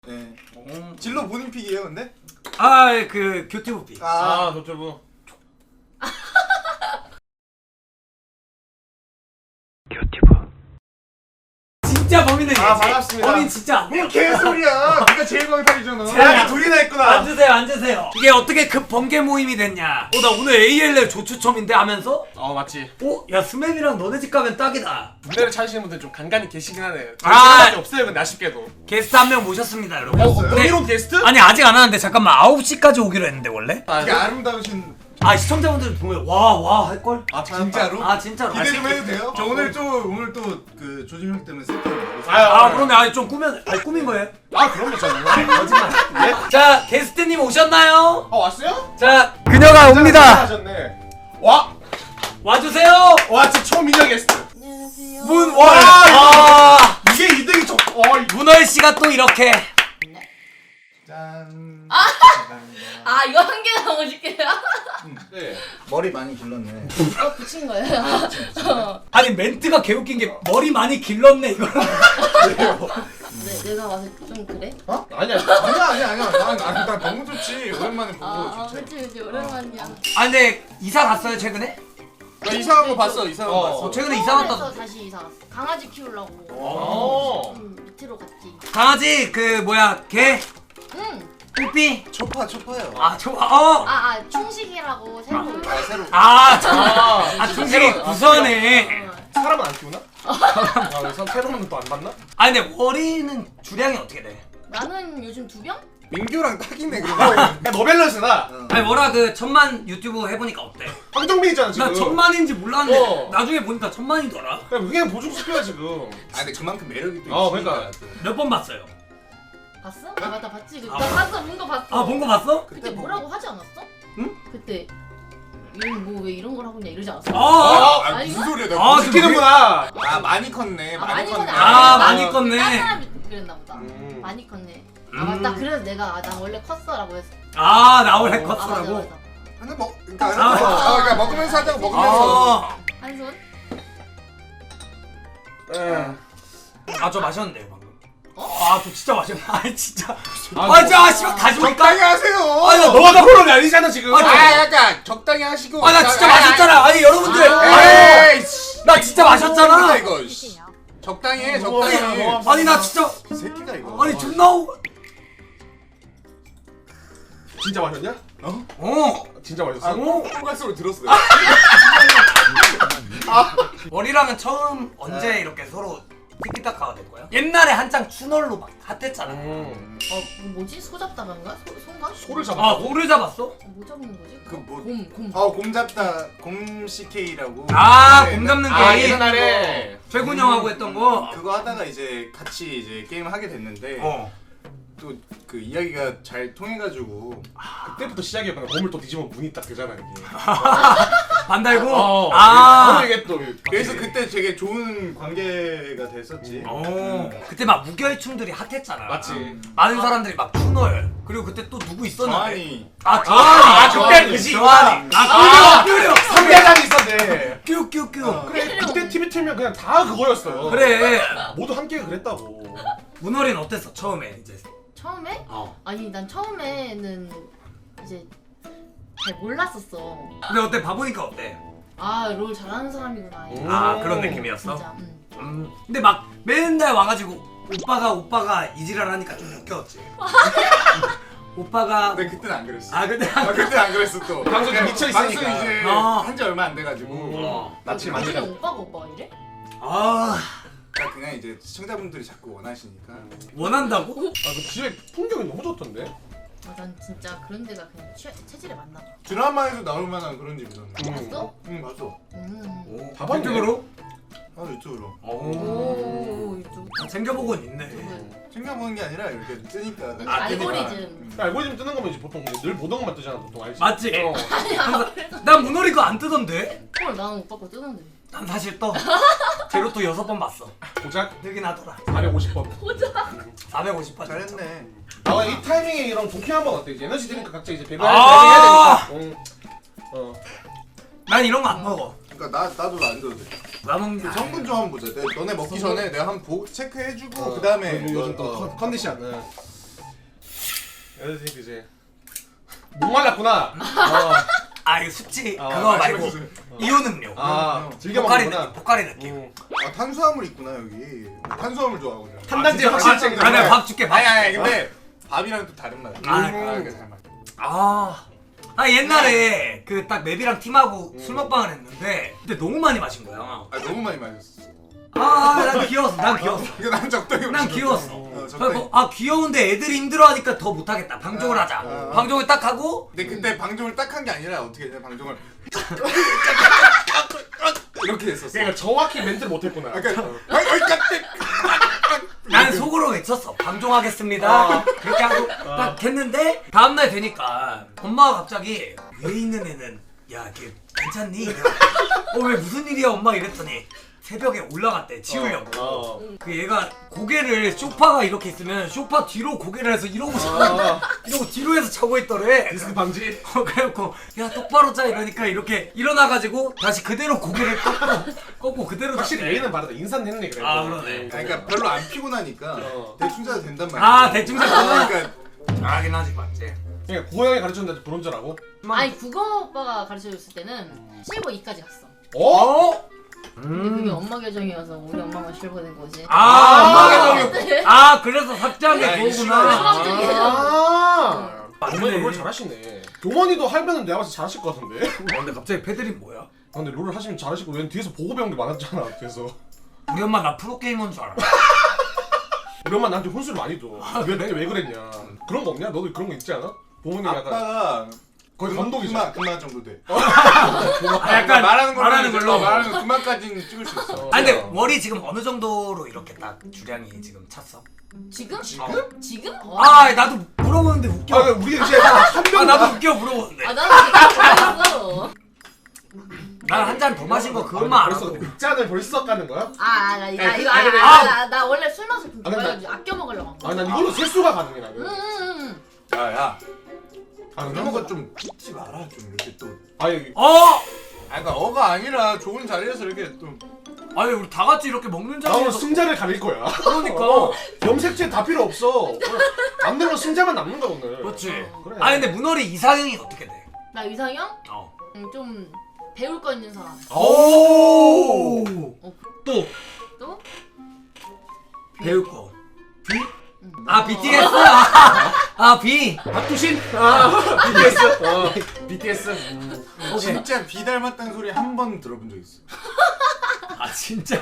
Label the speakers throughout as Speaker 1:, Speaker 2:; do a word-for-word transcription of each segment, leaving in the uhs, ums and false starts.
Speaker 1: 네.
Speaker 2: 음.
Speaker 1: 진로 본인 픽이에요, 근데?
Speaker 2: 아, 그 교티브 픽.
Speaker 1: 아,
Speaker 3: 아, 교티브.
Speaker 2: 교티브. 진짜 범인은
Speaker 1: 아,
Speaker 2: 얘지.
Speaker 1: 반갑습니다.
Speaker 2: 범인 진짜 안 돼요.
Speaker 1: 뭔 개소리야. 네가 제일 광탈이잖아.
Speaker 2: 제가
Speaker 1: 야, 둘이나 했구나.
Speaker 2: 앉으세요, 앉으세요. 이게 어떻게 급 번개 모임이 됐냐? 어, 나 오늘 에이엘엘 조추첨인데 하면서
Speaker 3: 어, 맞지.
Speaker 2: 어? 야, 스맵이랑 너네 집 가면 딱이다.
Speaker 3: 군대를 찾으시는 분들 좀 간간히 계시긴 하네요.
Speaker 2: 아.
Speaker 3: 생각이 없어요, 근데 아쉽게도.
Speaker 2: 게스트 한 명 모셨습니다, 여러분.
Speaker 3: 어,
Speaker 2: 근데-
Speaker 3: 브이로그 게스트?
Speaker 2: 아니, 아직 안 하는데 잠깐만 아홉 시까지 오기로 했는데 원래?
Speaker 3: 아,
Speaker 1: 되게 아름다우신.
Speaker 2: 아, 시청자분들 보면 와, 와 할걸?
Speaker 3: 아,
Speaker 1: 진짜로?
Speaker 2: 아, 진짜로.
Speaker 1: 기대 좀
Speaker 2: 아,
Speaker 1: 해도 돼요? 저 오늘 또 오늘 또 그 조짐 형 때문에 세트를 먹었어요.
Speaker 2: 아, 아 그러네. 아니 좀 꾸면 아니 꾸민 거예요?
Speaker 3: 아, 그럼요, 저는.
Speaker 2: 거짓말.
Speaker 3: 예?
Speaker 2: 자, 게스트님 오셨나요?
Speaker 3: 어, 왔어요?
Speaker 2: 자, 그녀가 옵니다.
Speaker 3: 하셨네. 와!
Speaker 2: 와주세요.
Speaker 3: 와, 진짜 초미녀 게스트.
Speaker 2: 문월.
Speaker 3: 와,
Speaker 2: 아,
Speaker 1: 이게 이득이 저.
Speaker 3: 어, 이-
Speaker 2: 문월 씨가 또 이렇게.
Speaker 1: 짠.
Speaker 4: 아 이거 한 개 나오고 싶게요?
Speaker 3: 네.
Speaker 1: 머리 많이 길렀네.
Speaker 4: 어 붙인 거예요? 어.
Speaker 2: 아니 멘트가 개웃긴 게 머리 많이 길렀네 이거.
Speaker 4: 네, 내가 와서 좀 그래?
Speaker 3: 어? 아니야.
Speaker 1: 아니야 아니야 아니야. 난, 난, 난 너무 좋지. 오랜만에 보고
Speaker 4: 아, 아
Speaker 1: 좋지.
Speaker 4: 그치 그치 오랜만이야.
Speaker 2: 아 근데 이사 갔어요 최근에?
Speaker 1: 나 이상한 거 봤어. 이상한 거
Speaker 3: 어.
Speaker 1: 봤어.
Speaker 2: 어, 최근에 이사 갔다.
Speaker 4: 서울에서 다시 이사 갔어. 강아지 키우려고.
Speaker 3: 어.
Speaker 4: 음, 밑으로 갔지.
Speaker 2: 강아지 그 뭐야 개
Speaker 4: 응.
Speaker 2: 삐삐.
Speaker 1: 초파 초파요.
Speaker 2: 아 저 어.
Speaker 4: 아, 아 충식이라고 새로.
Speaker 1: 아 새로.
Speaker 2: 아, 저,
Speaker 3: 아,
Speaker 2: 아 충실히 부서네.
Speaker 4: 어.
Speaker 3: 사람은 안 키우나? 아, 왜 사- 새로운 또 안 봤나?
Speaker 2: 아 근데 머리는 주량이 어떻게 돼?
Speaker 4: 나는 요즘 두 병?
Speaker 1: 민규랑 딱이네 그거.
Speaker 3: 야, 너밸런스나.
Speaker 2: 아니 뭐라 그 천만 유튜브 해보니까 어때?
Speaker 3: 황정민 있잖아, 지금.
Speaker 2: 나 천만인지 몰랐는데
Speaker 3: 어.
Speaker 2: 나중에 보니까 천만이더라.
Speaker 3: 야, 그게 보증시켜야 지금.
Speaker 1: 아 근데 그만큼 매력이 또
Speaker 3: 어,
Speaker 1: 있으니까.
Speaker 3: 그러니까.
Speaker 2: 몇 번 봤어요?
Speaker 4: 봤어? 아 맞다 봤지. 그-
Speaker 2: 아,
Speaker 4: 나 봤어 본 거 봤어.
Speaker 2: 아 본 거 봤어?
Speaker 4: 그때
Speaker 1: 보고.
Speaker 4: 뭐라고 하지 않았어?
Speaker 2: 응?
Speaker 4: 그때 뭐왜 이런 걸 하고 있냐 이러지 않았어?
Speaker 2: 아,
Speaker 1: 아, 아
Speaker 4: 아닌가?
Speaker 1: 무슨 소리야? 나
Speaker 2: 아,
Speaker 1: 무슨
Speaker 3: 시키는구나.
Speaker 1: 아 많이 컸네.
Speaker 4: 아,
Speaker 1: 많이
Speaker 4: 많이
Speaker 1: 컸네.
Speaker 4: 컸네.
Speaker 2: 아,
Speaker 4: 아,
Speaker 2: 많이
Speaker 4: 딴
Speaker 2: 컸네.
Speaker 4: 사람이 그랬나 보다.
Speaker 3: 음.
Speaker 4: 많이 컸네.
Speaker 2: 음.
Speaker 4: 아 맞다. 그래서 내가 아, 나 원래 컸어라고 했어.
Speaker 2: 아, 나 원래
Speaker 3: 어.
Speaker 4: 아 맞아
Speaker 2: 컸어라고.
Speaker 4: 맞아.
Speaker 1: 근데 먹 그러니까,
Speaker 2: 아.
Speaker 1: 아, 그러니까 먹으면서 하자고 먹으면서.
Speaker 2: 아,
Speaker 4: 한 손?
Speaker 3: 예.
Speaker 2: 아, 저 마셨는데 방금. 아, 저 진짜 마셨네. 아, 진짜.
Speaker 3: 아,
Speaker 2: 아, 진짜 씨발 다시
Speaker 1: 적당히
Speaker 2: 볼까?
Speaker 1: 하세요.
Speaker 2: 아, 나
Speaker 3: 너가 다 프로이 아니잖아, 지금.
Speaker 2: 아니,
Speaker 1: 아 약간 적당히 하시고.
Speaker 2: 아, 나 진짜 마셨잖아. 아니, 여러분들.
Speaker 4: 아.
Speaker 2: 아니,
Speaker 1: 에이.
Speaker 2: 나 진짜 마셨잖아.
Speaker 1: 이거. 씨. 적당히 해. 적당히. 해.
Speaker 3: 어,
Speaker 2: 아니, 나 진짜.
Speaker 1: 이 새끼가 이거.
Speaker 2: 아니, 존나. 오-
Speaker 3: 진짜 마셨냐?
Speaker 1: 어?
Speaker 2: 어.
Speaker 3: 진짜
Speaker 1: 아,
Speaker 3: 마셨어?
Speaker 1: 뽀갈 소리 들었어.
Speaker 2: 머리랑은 처음 언제 이렇게 서로 티키타카가 된 거야? 옛날에 한창 추널로 막 핫했잖아.
Speaker 3: 음.
Speaker 4: 어 뭐지? 소 잡다간가? 소 손가?
Speaker 3: 소를 잡아.
Speaker 2: 아, 오를 잡았어?
Speaker 4: 어, 뭐 잡는 거지?
Speaker 1: 그 뭐-
Speaker 4: 곰 곰.
Speaker 1: 어, 곰 잡다 곰 씨케이라고.
Speaker 2: 아,
Speaker 1: 네,
Speaker 2: 곰 잡는
Speaker 3: 아,
Speaker 2: 게임.
Speaker 3: 옛날에.
Speaker 2: 최군 형하고 했던 거.
Speaker 1: 그거 하다가 이제 같이 이제 게임을 하게 됐는데
Speaker 2: 어.
Speaker 1: 또 그 이야기가 잘 통해가지고
Speaker 3: 그때부터 시작이었구나. 몸을 또 뒤집으면 문이 딱 되잖아, 이게.
Speaker 2: 반달고.
Speaker 3: 어.
Speaker 2: 아.
Speaker 3: 이게 또.
Speaker 1: 그래서 그때 되게 좋은 관계가 됐었지.
Speaker 2: 어. 그때 막 무결춤들이 핫했잖아.
Speaker 3: 맞지.
Speaker 2: 많은 사람들이 막 추널. 그리고 그때 또 누구 있었는데?
Speaker 1: 정한이.
Speaker 2: 아, 저한이.
Speaker 3: 아,
Speaker 2: 저한이.
Speaker 3: 그때 그지.
Speaker 2: 저한이. 아,
Speaker 3: 아,
Speaker 2: 큐려, 큐려.
Speaker 3: 상대장이 있었네.
Speaker 2: 큐큐큐.
Speaker 1: 어.
Speaker 3: 그래, 그때 티비 틀면 그냥 다 그거였어.
Speaker 2: 그래.
Speaker 3: 모두 함께 그랬다고.
Speaker 2: 문어린 어땠어 처음에 이제?
Speaker 4: 처음에?
Speaker 2: 어.
Speaker 4: 아니 난 처음에는 이제 잘 몰랐었어.
Speaker 2: 근데 어때 봐보니까 어때?
Speaker 4: 아 롤 잘하는 사람이구나.
Speaker 3: 오.
Speaker 2: 아 그런 느낌이었어?
Speaker 4: 진짜. 응.
Speaker 2: 음. 근데 막 맨날 와가지고 오빠가 오빠가 이지랄하니까 좀 웃겼지. 오빠가.
Speaker 1: 근데 그때는 안 그랬어.
Speaker 2: 아 근데.
Speaker 1: 아, 그때는 안 그랬어 또.
Speaker 3: 방송 좀 미쳐 있으니까.
Speaker 1: 방송 이제
Speaker 2: 어.
Speaker 1: 한 지 얼마 안 돼가지고.
Speaker 2: 어.
Speaker 3: 낯을
Speaker 4: 나중에
Speaker 3: 만지가.
Speaker 4: 오빠가 오빠가 이래?
Speaker 2: 아
Speaker 1: 그러니까 그냥 이제 시청자분들이 자꾸 원하시니까.
Speaker 2: 원한다고?
Speaker 3: 아, 그 집에 풍경이 너무 좋던데?
Speaker 4: 아, 난 진짜 그런 데가 그냥 취, 체질에 맞나 봐.
Speaker 1: 드라마에서 나올 만한 그런 집이던데.
Speaker 3: 음.
Speaker 4: 봤어?
Speaker 1: 응 봤어.
Speaker 4: 음.
Speaker 2: 오,
Speaker 3: 다 봤네.
Speaker 2: 유튜브로?
Speaker 1: 아 유튜브로.
Speaker 4: 오 이쪽.
Speaker 2: 아, 챙겨보곤 있네.
Speaker 1: 챙겨보는 게 아니라 이렇게 뜨니까.
Speaker 4: 아,
Speaker 1: 뜨니까.
Speaker 4: 알고리즘.
Speaker 1: 음.
Speaker 3: 알고리즘 뜨는 거면 이제 보통 그냥 늘 보던 것만 뜨잖아, 보통 알지?
Speaker 2: 맞지?
Speaker 3: 어.
Speaker 2: 난 문어리 거 안 뜨던데?
Speaker 4: 헐 나는 오빠 거 뜨는데.
Speaker 2: 난 사실 떠. 제로또 여섯 번 봤어.
Speaker 3: 고작
Speaker 2: 뜨긴 하더라.
Speaker 3: 사백오십 번.
Speaker 2: 사백오십 번.
Speaker 1: 잘했네.
Speaker 3: 아, 이 타이밍에 이런 도쿄 한번 어때? 이제 에너지 드링크 각자 이제 배가
Speaker 2: 아.
Speaker 3: 해야 되니까. 응. 어.
Speaker 2: 난 이런 거 안 먹어.
Speaker 1: 그러니까 나 나도 안 줘도 돼.
Speaker 2: 나 먹는
Speaker 1: 그 성분 좀 한번 보자. 내, 너네 먹기
Speaker 3: 성분?
Speaker 1: 전에 내가 한번 보 체크해주고
Speaker 3: 어,
Speaker 1: 그 다음에
Speaker 3: 요즘 또 컨- 컨디션. 네. 에너지 드링크 이제 목말랐구나. 어.
Speaker 2: 아 이거 숙취
Speaker 3: 아,
Speaker 2: 그거
Speaker 3: 아,
Speaker 2: 말고
Speaker 1: 마시고
Speaker 2: 이온 음료.
Speaker 3: 아 즐겨
Speaker 2: 포카리
Speaker 3: 먹는구나.
Speaker 2: 느낌, 포카리 느낌.
Speaker 3: 음.
Speaker 1: 아 탄수화물 있구나 여기. 탄수화물 좋아하거든.
Speaker 3: 탄단지
Speaker 2: 아,
Speaker 3: 확실히
Speaker 2: 아,
Speaker 3: 챙겨.
Speaker 2: 아, 내가 밥 줄게. 밥
Speaker 1: 아니 아니
Speaker 2: 줄게.
Speaker 1: 근데 밥이랑 또 다른 맛.
Speaker 2: 아,
Speaker 1: 아, 이게 다른 맛.
Speaker 2: 아, 아 옛날에 그 딱 맵이랑 팀하고 술 먹방을 했는데 그때 너무 많이 마신 거야.
Speaker 1: 아 너무 많이 마셨어.
Speaker 2: 아, 난 귀여웠어. 난 귀여웠어.
Speaker 1: 이거 난 적당히.
Speaker 2: 난
Speaker 1: 마셨어.
Speaker 2: 귀여웠어.
Speaker 1: 어, 적당히.
Speaker 2: 그래서 아 귀여운데 애들이 힘들어하니까 더 못하겠다. 방종을
Speaker 1: 아,
Speaker 2: 하자.
Speaker 1: 아.
Speaker 2: 방종을 딱 하고
Speaker 1: 근데 그때 방종을 딱 한 게 아니라 어떻게 했냐 방종을 이렇게 했었어.
Speaker 3: 그러니까 정확히 멘트를 못했구나.
Speaker 1: 그러니까 어이 깜짝.
Speaker 2: 난 속으로 외쳤어. 방종하겠습니다.
Speaker 3: 어.
Speaker 2: 그렇게 하고 딱 했는데 다음날 되니까 엄마가 갑자기 위에 있는 애는 야 걔 괜찮니? 어 왜 무슨 일이야 엄마 이랬더니 새벽에 올라갔대 치우려고.
Speaker 3: 어.
Speaker 2: 그 얘가 고개를 소파가 이렇게 있으면 소파 뒤로 고개를 해서 이러고 자고
Speaker 3: 어.
Speaker 2: 이러고 뒤로 해서 자고 있더래.
Speaker 3: 디스크 방지.
Speaker 2: 어, 그래갖고 야 똑바로 자 이러니까 이렇게 일어나가지고 다시 그대로 고개를 꺾고 꺾고 그대로
Speaker 3: 확실히
Speaker 2: 잤대.
Speaker 3: A는 바르다. 인사는 했네 그래.
Speaker 2: 아, 그러네.
Speaker 1: 그러니까 별로 안 피곤하니까
Speaker 3: 어.
Speaker 1: 대충 자도 된단 말이야.
Speaker 2: 아 대충 잤구나.
Speaker 1: 그러니까
Speaker 2: 하긴 하지 맞지.
Speaker 3: 그러니까 고양이 가르쳤는데 브론저라고?
Speaker 4: 아니 국어 오빠가 가르쳐줬을 때는 실버 이까지 갔어.
Speaker 3: 어?
Speaker 4: 근데 그게 엄마 계정이어서 우리 엄마만 실버 된 거지.
Speaker 2: 아,
Speaker 3: 아,
Speaker 2: 엄마 계정이 아 그래서 삭제한
Speaker 1: 야,
Speaker 2: 게
Speaker 1: 이
Speaker 2: 그거구나.
Speaker 4: 시간이
Speaker 3: 아.
Speaker 2: 맞네.
Speaker 3: 동원이 롤 잘하시네. 동원이도 할면은 내가 봤을 때 잘하실 것 같은데.
Speaker 2: 어, 근데 갑자기 패드립 뭐야?
Speaker 3: 아, 근데 롤을 하시면 잘하시고 왜 뒤에서 보고 배운 게 많았잖아. 뒤에서.
Speaker 2: 우리 엄마 나 프로게이머인 줄 알아.
Speaker 3: 우리 엄마 나한테 혼수를 많이 줘. 왜 그때 왜 그랬냐. 그런 거 없냐? 너도 그런 거 있지 않아? 부모님 약간
Speaker 1: 아빠가
Speaker 3: 거의
Speaker 1: 그만-
Speaker 3: 감독이잖아.
Speaker 1: 그만 그만 정도 돼.
Speaker 2: 아, 약간
Speaker 1: 말하는 걸로
Speaker 2: 말하는 걸로.
Speaker 1: 말하는 거 그만까지는 찍을 수 있어.
Speaker 2: 아 근데 머리 지금 어느 정도로 이렇게 딱 주량이 지금 찼어?
Speaker 4: 지금?
Speaker 2: 지금?
Speaker 4: 지금? 어.
Speaker 2: 아 나도 물어보는데 웃겨.
Speaker 3: 아, 우리 이제 한
Speaker 2: 아
Speaker 3: 병.
Speaker 2: 나도 웃겨 물어보는데.
Speaker 4: 아 나도 지금 몰랐어.
Speaker 2: 난 한 잔 더 마신 거 그것만
Speaker 3: 벌써
Speaker 2: 알았어.
Speaker 3: 짠을 벌써 까는 거야?
Speaker 4: 아, 나, 나
Speaker 3: 야,
Speaker 4: 이거
Speaker 3: 그- 아니,
Speaker 4: 아,
Speaker 3: 아,
Speaker 4: 아, 나, 나 원래 술 마셔 좀
Speaker 3: 아, 근데
Speaker 4: 좋아해가지고 아껴 먹으려고 한 거야.
Speaker 3: 아, 난 이걸로 세수가 가능해 나는.
Speaker 4: 응, 응, 응.
Speaker 1: 야야.
Speaker 3: 아,
Speaker 1: 이런 거 좀 찍지 마라 좀 이렇게 또.
Speaker 3: 아니,
Speaker 2: 어?
Speaker 1: 아 그러니까 어가 아니라 좋은 자리에서 이렇게 또.
Speaker 2: 아니 우리 다 같이 이렇게 먹는
Speaker 3: 나 오늘
Speaker 2: 자리에서
Speaker 3: 승자를 가릴 거야.
Speaker 2: 그러니까.
Speaker 3: 어, 염색체 다 필요 없어. 오늘 남는 건 승자만 남는 거야 오늘.
Speaker 2: 그렇지.
Speaker 3: 그래.
Speaker 2: 아니 근데 문어리 이상형이 어떻게 돼?
Speaker 4: 나 이상형?
Speaker 2: 어.
Speaker 4: 음, 좀 배울 거 있는 사람.
Speaker 2: 오.
Speaker 4: 어,
Speaker 2: 또
Speaker 4: 또?
Speaker 2: 배울 거. B?
Speaker 4: 응.
Speaker 2: 아 비티에스. 아, 아 B.
Speaker 3: 박두신. 아, 비티에스. 어, 비티에스. 음.
Speaker 2: 오케이.
Speaker 1: 진짜 비 닮았다는 소리 한 번 들어본 적 있어.
Speaker 2: 아 진짜.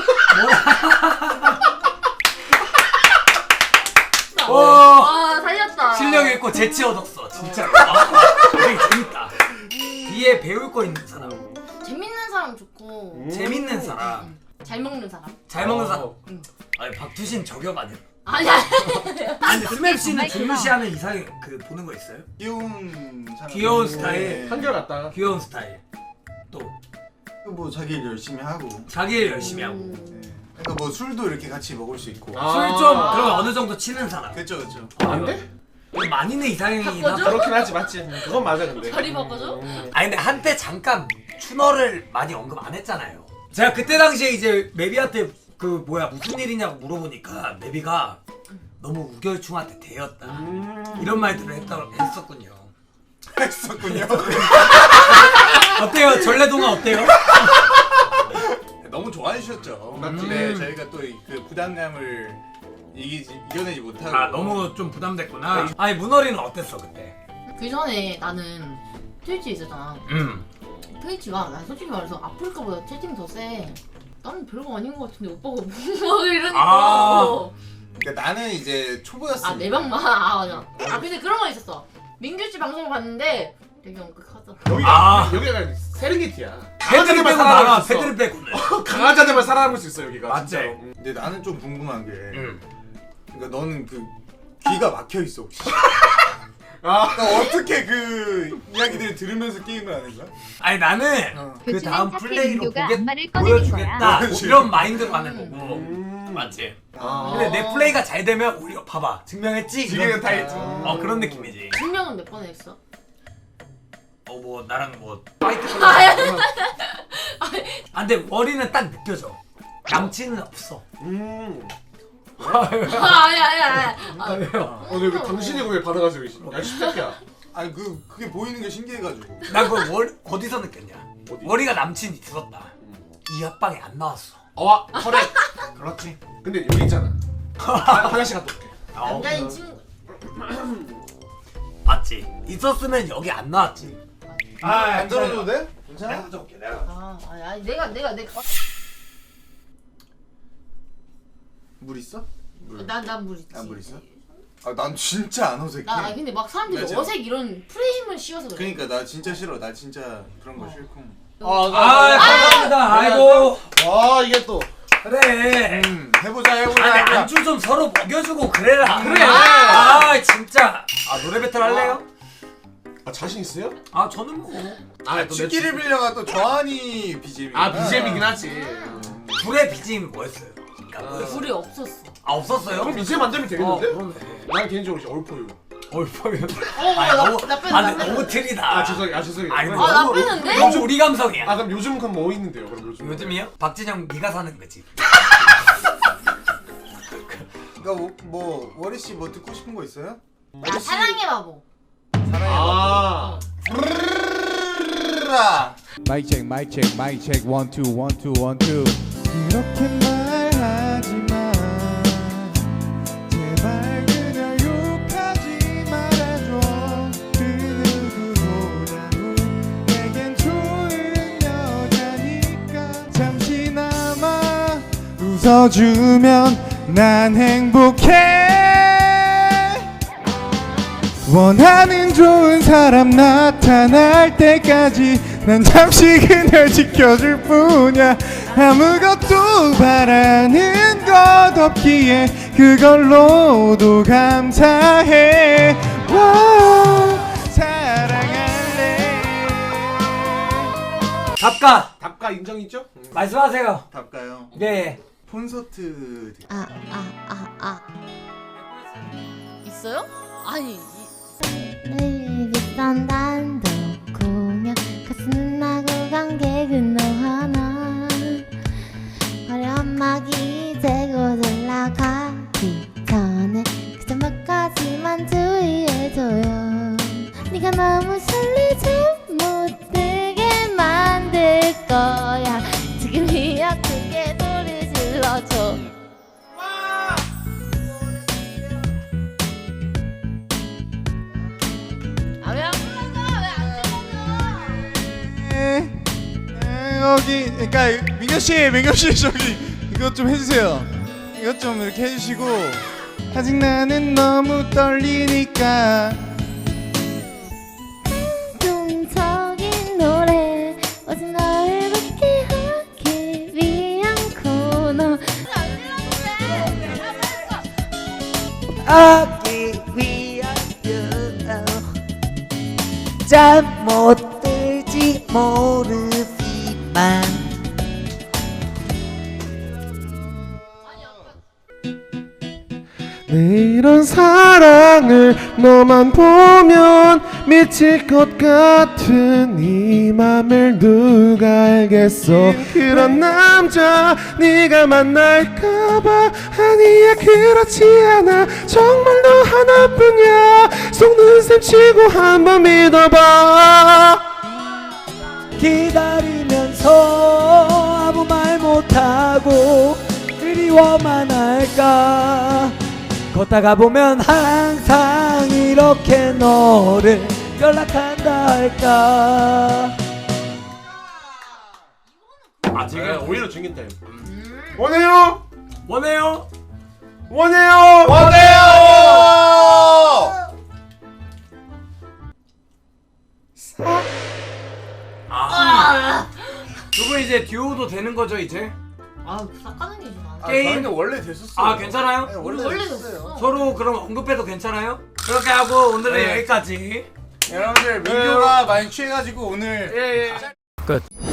Speaker 4: 어.
Speaker 2: 와.
Speaker 4: 아 살렸다.
Speaker 2: 실력 있고 재치 얻었어 진짜로. 아, 되게 재밌다. B에 배울 거 있는 사람.
Speaker 4: 재밌는 사람 좋고
Speaker 3: 음.
Speaker 2: 재밌는 사람.
Speaker 4: 음, 잘 먹는 사람.
Speaker 2: 잘 먹는 사람.
Speaker 3: 어.
Speaker 4: 응.
Speaker 2: 아니 박두신 저격 아니야?
Speaker 4: 아니야.
Speaker 2: 아니 스맵 씨는 중요시하는 이상 그 보는 거 있어요?
Speaker 1: 귀여운 사람.
Speaker 2: 귀여운
Speaker 1: 네.
Speaker 2: 스타일.
Speaker 3: 한결 같다.
Speaker 2: 귀여운 스타일. 또
Speaker 1: 뭐 자기 일 열심히 하고.
Speaker 2: 자기 일 열심히 하고.
Speaker 4: 음.
Speaker 1: 네. 그러니까 뭐 술도 이렇게 같이 먹을 수 있고.
Speaker 3: 아.
Speaker 2: 술 좀 그러면 어느 정도 치는 사람.
Speaker 1: 그렇죠 그렇죠.
Speaker 3: 안 돼?
Speaker 2: 많이는 이상형이긴
Speaker 4: 바꿔줘?
Speaker 2: 하다.
Speaker 3: 그렇긴 하지 맞지. 그건 맞아 근데.
Speaker 4: 자리 바꿔줘?
Speaker 3: 음.
Speaker 2: 아니 근데 한때 잠깐 추너를 많이 언급 안 했잖아요. 제가 그때 당시에 이제 메비한테 그 뭐야 무슨 일이냐고 물어보니까 메비가 너무 우결충한테 대였다
Speaker 3: 음.
Speaker 2: 이런 말들을 했다, 했었군요.
Speaker 1: 했었군요.
Speaker 2: 어때요? 전래동화 어때요?
Speaker 1: 너무 좋아해 주셨죠.
Speaker 3: 맞지.
Speaker 1: 네, 저희가 또 그 부담감을 이기지 이겨내지 못하고.
Speaker 2: 아 너무 좀 부담됐구나. 아니 문어리는 어땠어 그때?
Speaker 4: 그 전에 나는 트위치 있었잖아.
Speaker 2: 음.
Speaker 4: 트위치가 난 솔직히 말해서 아프리카보다 채팅 더 세. 나는 별거 아닌 것 같은데 오빠가 뭐 이러니까.
Speaker 2: 아.
Speaker 1: 그러니까 나는 이제 초보였으니까.
Speaker 4: 아, 내 방만. 아, 맞아. 아, 근데 그런 거 있었어. 민규 씨 방송 봤는데 되게 엄격하더라.
Speaker 3: 여기가
Speaker 2: 아.
Speaker 3: 여기가 세렝게티야.
Speaker 2: 패드립 빼고
Speaker 3: 살아남을
Speaker 2: 나가.
Speaker 3: 수 있어.
Speaker 2: 패드립 빼고는.
Speaker 3: 강아지한테만 살아남을 수 있어 여기가.
Speaker 2: 맞지?
Speaker 3: 진짜로. 음.
Speaker 1: 근데 나는 좀 궁금한 게.
Speaker 2: 음.
Speaker 1: 그러니까 너는 그 귀가 막혀 있어 혹시?
Speaker 3: 아.
Speaker 1: 그러니까 어떻게 그 이야기들을 들으면서 게임을 하는 거야?
Speaker 2: 아니 나는
Speaker 1: 어.
Speaker 2: 그
Speaker 5: 요즘엔
Speaker 2: 다음
Speaker 5: 사태
Speaker 2: 플레이로
Speaker 5: 민규가
Speaker 2: 보게,
Speaker 5: 악마를 꺼내는
Speaker 2: 보여주겠다
Speaker 5: 거야.
Speaker 1: 그렇지.
Speaker 2: 이런 마인드로 하는 거고.
Speaker 3: 음.
Speaker 2: 맞지?
Speaker 3: 아.
Speaker 2: 근데 내 플레이가 잘 되면 오히려 봐봐 증명했지?
Speaker 3: 지금
Speaker 2: 이런
Speaker 3: 다
Speaker 2: 느낌.
Speaker 3: 했지.
Speaker 2: 어 그런 느낌이지.
Speaker 4: 증명은 몇 번 했어?
Speaker 2: 어 뭐 나랑 뭐 파이트 아 근데 월이는 딱 느껴져. 남친은 없어.
Speaker 3: 음.
Speaker 4: 아, 아니 아니 아니. 아,
Speaker 2: 왜요?
Speaker 3: 어, 왜 당신이 왜 받아가지고 야 십새끼야.
Speaker 1: 아니 그 그게 보이는 게 신기해가지고.
Speaker 2: 난 그걸 월, 어디서 느꼈냐?
Speaker 3: 어디?
Speaker 2: 머리가 남친이 들었다. 이 합방에 안 나왔어.
Speaker 3: 어, 그래.
Speaker 1: 그렇지.
Speaker 3: 근데 여기 있잖아. 아, 화장실 갔다 올게.
Speaker 4: 남자인 친구.
Speaker 2: 맞지? 있었으면 여기 안 나왔지.
Speaker 1: 안 들어줘도 돼? 괜찮아?
Speaker 2: 내가 가져올게 내가.
Speaker 4: 아, 아니, 아니 내가 내가 내가.
Speaker 1: 물 있어? 물.
Speaker 4: 난난물 있지.
Speaker 1: 아, 물 있어? 아, 난 진짜 안 어색해.
Speaker 4: 나 아니, 근데 막 사람들이
Speaker 1: 맞아.
Speaker 4: 어색 이런 프레임을 씌워서 그래.
Speaker 1: 그러니까 나 진짜 싫어. 나 진짜 그런 거
Speaker 4: 어.
Speaker 1: 싫고.
Speaker 2: 아, 감사합니다. 아이고.
Speaker 3: 와 이게 또.
Speaker 2: 그래.
Speaker 1: 음, 해보자 해보자.
Speaker 2: 아니
Speaker 1: 해보자.
Speaker 2: 안주 좀 서로 먹여주고 그래라.
Speaker 3: 그래.
Speaker 2: 아 진짜. 아 노래 배틀 할래요?
Speaker 3: 아 자신 있어요?
Speaker 2: 아 저는 뭐
Speaker 3: 아, 또
Speaker 1: 치기를 빌려가 또 저한이 비지엠이.
Speaker 3: 아 비지엠이긴 하지.
Speaker 2: 둘의 비지엠이 뭐였어요? 그러니까 뭐였어요?
Speaker 4: 불이 없었어.
Speaker 2: 아 없었어요?
Speaker 3: 그럼 이제 만들면
Speaker 2: 어
Speaker 3: 되겠는데?
Speaker 2: 그러네.
Speaker 3: 난 개인적으로 이제 얼포유.
Speaker 2: 얼퍼면.
Speaker 4: 어, 어,
Speaker 2: 아니
Speaker 4: 나-
Speaker 2: 너무
Speaker 4: 나 뺀다,
Speaker 2: 아
Speaker 4: 나
Speaker 2: 근데
Speaker 4: 뺀다.
Speaker 2: 너무 틀리다.
Speaker 3: 아 죄송해요. 아 죄송해요.
Speaker 2: 아니,
Speaker 3: 그럼
Speaker 4: 아, 나
Speaker 3: 너무-
Speaker 4: 빼는데?
Speaker 2: 너무 우리 감성이야.
Speaker 3: 아 그럼 요즘 그럼 뭐 있는데요? 그럼 요즘.
Speaker 2: 요즘이요? 박진영 네가 사는 거지.
Speaker 1: 그러니까 뭐, 뭐 워리 씨 뭐 듣고 싶은 거 있어요?
Speaker 4: 야 사랑해 바보.
Speaker 1: 사랑해.
Speaker 3: 아.
Speaker 1: 라
Speaker 5: 마이크 체크 마이크 체크 마이크 체크 원 투 원 투 원 투 그렇게 말하지 마 제발 그냥 욕하지 말아줘 그 누구보다도 내겐 좋은 여자니까 잠시나마 웃어주면 난 행복해 원하는 좋은 사람 나타날 때까지 난 잠시 그녀 지켜줄 뿐이야 아무것도 바라는 것 없기에 그걸로도 감사해 와, 사랑할래
Speaker 2: 답가
Speaker 3: 답가 인정이죠?
Speaker 2: 말씀하세요.
Speaker 1: 답가요.
Speaker 2: 네.
Speaker 1: 콘서트.
Speaker 4: 아 아 아 아. 있어요? 아니.
Speaker 6: 내일 비싼 단독 공연 가슴은 나고 관객은 너 하나 화려하기 재고 올라가기 전에 그저 몇 가지만 주의해줘요 네가 너무 설레지 못 들게 만들 거야 지금이야 크게 소리 질러줘
Speaker 4: 아 왜 안 불렀어? 왜안 불렀어?
Speaker 5: 여기 그러니까 민규 씨, 민규 씨 저기 이것 좀 해주세요. 이것 좀 이렇게 해주시고 아직 나는 너무 떨리니까
Speaker 6: 감동적인 노래 오직 널 웃게 하기 위한 코너
Speaker 2: 하기 위하여 잠못 들지 모르지만
Speaker 3: 내 이런 사랑을 너만 보면 미칠 것 같은 이 맘을 누가 알겠어 그런 남자 네가 만날까봐 아니야 그렇지 않아 정말 너 하나뿐이야 속는 셈 치고 한번 믿어봐
Speaker 2: 기다리면서 아무 말 못하고 그리워만 할까 걷다가 보면 항상 이렇게 너를 연락한다 할까 아
Speaker 3: 네, 오히려 중긴 타임 원해요
Speaker 2: 원해요
Speaker 3: 원해요
Speaker 1: 원해요.
Speaker 2: 아. 두 분 이제 듀오도 되는 거죠 이제?
Speaker 4: 아 삭가는 게지 나.
Speaker 1: 아,
Speaker 2: 게임?
Speaker 1: 저희는 원래 됐었어요.
Speaker 2: 아 괜찮아요?
Speaker 1: 네,
Speaker 4: 우리
Speaker 1: 원래
Speaker 4: 원래
Speaker 1: 됐었어요.
Speaker 4: 됐어.
Speaker 2: 서로 그럼 언급해도 괜찮아요? 그렇게 하고 오늘은
Speaker 1: 네.
Speaker 2: 여기까지
Speaker 1: 여러분들 민규가 많이 취해가지고 오늘
Speaker 2: 끝